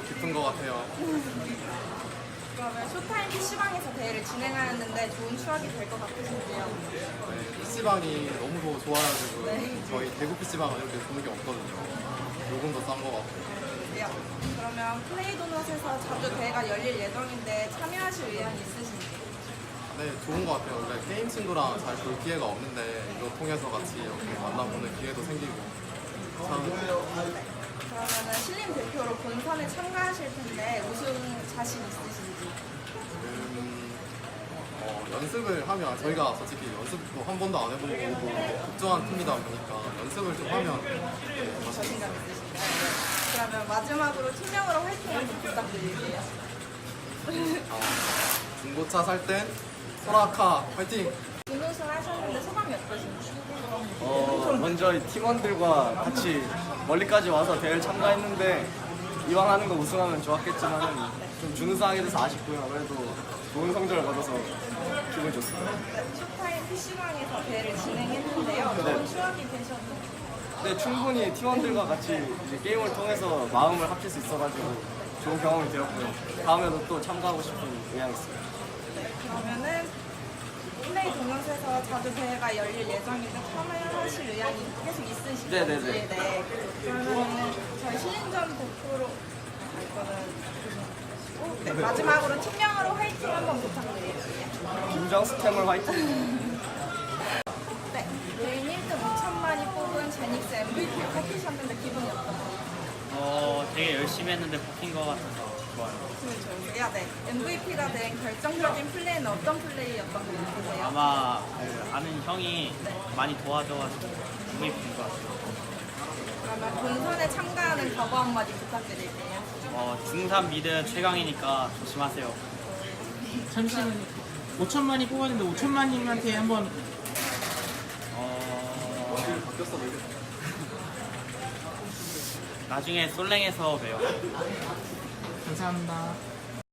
깊은 것 같아요. 그러면 쇼타임 PC방에서 대회를 진행하였는데 좋은 추억이 될 것 같으신지요? 네, PC방이 너무 좋아가지고 네. 저희 대구 PC방은 이렇게 좋은 게 없거든요. 요금도 싼 것 같고. 네. 그러면 플레이도넛에서 자주 대회가 열릴 예정인데 참여하실 의향이 있으신지? 네, 좋은 것 같아요. 원래 게임 친구랑 잘 볼 기회가 없는데 이거 통해서 같이 이렇게 만나보는 기회도 생기고 참 그러면은 신림 대표로 본선에 참가하실 텐데 우승 자신 있으신지? 연습을 하면 저희가 솔직히 연습도 한 번도 안 해보고 국정한 팀이다 보니까 연습을 좀 하면 자신감 있으신가요? 그러면 마지막으로 팀명으로 화이팅 한번 부탁드릴게요. 중고차 살 땐 소라카 화이팅! 준우승 하셨는데 소감이 어떠신지? 먼저 이 팀원들과 같이 멀리까지 와서 대회를 참가했는데 이왕 하는 거 우승하면 좋았겠지만 좀 준우승하게 돼서 아쉽고요. 그래도 좋은 성적을 거둬서 기분 좋습니다. 쇼타임 PC방에서 대회를 진행했는데요. 좋은 추억이 되셨나요? 근데 충분히 팀원들과 같이 이제 게임을 통해서 마음을 합칠 수 있어가지고 좋은 경험이 되었고요. 다음에도 또 참가하고 싶은 의향이 있습니다. 그러면은 플레이 동영상에서 자주 대회가 열릴 예정인데 참여하실 의향이 계속 있으신지? 네네네. 네. 그러면은 저희 신인전 대표로 네, 마지막으로 팀명으로 화이팅 한번 부탁드릴게요. 김정수 템을 화이팅! 네, 개인 1등 5천만이 뽑은 제닉스 MVP를 뽑히셨는데 기분이 어떠세요? 되게 열심히 했는데 뽑힌 것 같아서 좋아요. 기분이 좋으세요? 네. MVP가 된 결정적인 플레이는 어떤 플레이였던 것 같으세요? 아마 그 아는 형이 많이 도와줘가지고 MVP인 것 같아요. 그러면 본선에 참가하는 각오 한마디 부탁드릴게요. 중3 미드 최강이니까 조심하세요. 잠시만요. 5천만이 뽑았는데 5천만님한테 한번 바뀌었어 왜 이래? 나중에 솔랭에서 봬요. 감사합니다.